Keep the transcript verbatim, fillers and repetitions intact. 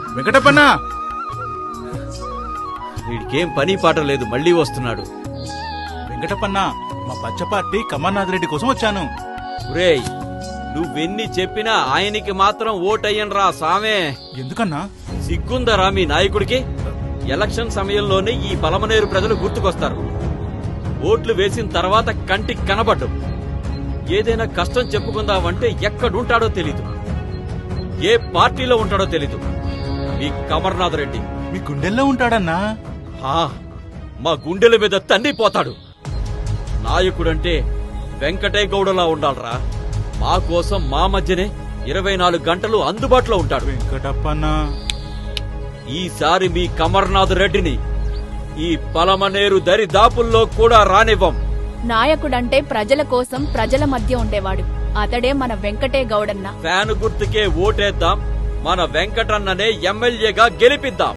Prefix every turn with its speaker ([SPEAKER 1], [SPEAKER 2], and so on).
[SPEAKER 1] వెంకటప్పన్న
[SPEAKER 2] వీడికేం పని పాట లేదు, మళ్ళీ వస్తున్నాడు.
[SPEAKER 1] వెంకటప్పన్న మా పచ్చ పార్టీ కమర్నాథ్ రెడ్డి కోసం వచ్చాను.
[SPEAKER 2] ఒరేయ్, నువ్వెన్ని చెప్పినా ఆయనకి మాత్రం ఓటయ్యనరా సామే.
[SPEAKER 1] ఎందుకన్నా?
[SPEAKER 2] సిగ్గుందరా మీ నాయకుడికి? ఎలక్షన్ సమయంలోనే ఈ పలమనేరు ప్రజలు గుర్తుకొస్తారు. ఓట్లు వేసిన తర్వాత కంటికి కనబడ్డు. ఏదైనా కష్టం చెప్పుకుందామంటే ఎక్కడుంటాడో తెలీదు, ఏ పార్టీలో ఉంటాడో తెలీదు. మీ కమర్నాథ్ రెడ్డి
[SPEAKER 1] మీ గుండెల్లో ఉంటాడన్నా.
[SPEAKER 2] హా, మా గుండెల మీద తన్నిపోతాడు. నాయకుడంటే వెంకటయ్య గౌడలా ఉండాలరా. మా కోసం మా మధ్యనే ఇరవై నాలుగు గంటలు అందుబాటులో ఉంటాడు.
[SPEAKER 1] వెంకటప్పన్న
[SPEAKER 2] ఈసారి మీ కమర్నాథ్ రెడ్డిని ఈ పలమనేరు దరిదాపుల్లో కూడా రానివ్వం.
[SPEAKER 3] నాయకుడంటే ప్రజల కోసం ప్రజల మధ్య ఉండేవాడు. అతడే మన వెంకటే గౌడన్న.
[SPEAKER 2] ఫ్యాను గుర్తుకే ఓటేద్దాం, మన వెంకటన్ననే ఎమ్మెల్యేగా గెలిపిద్దాం.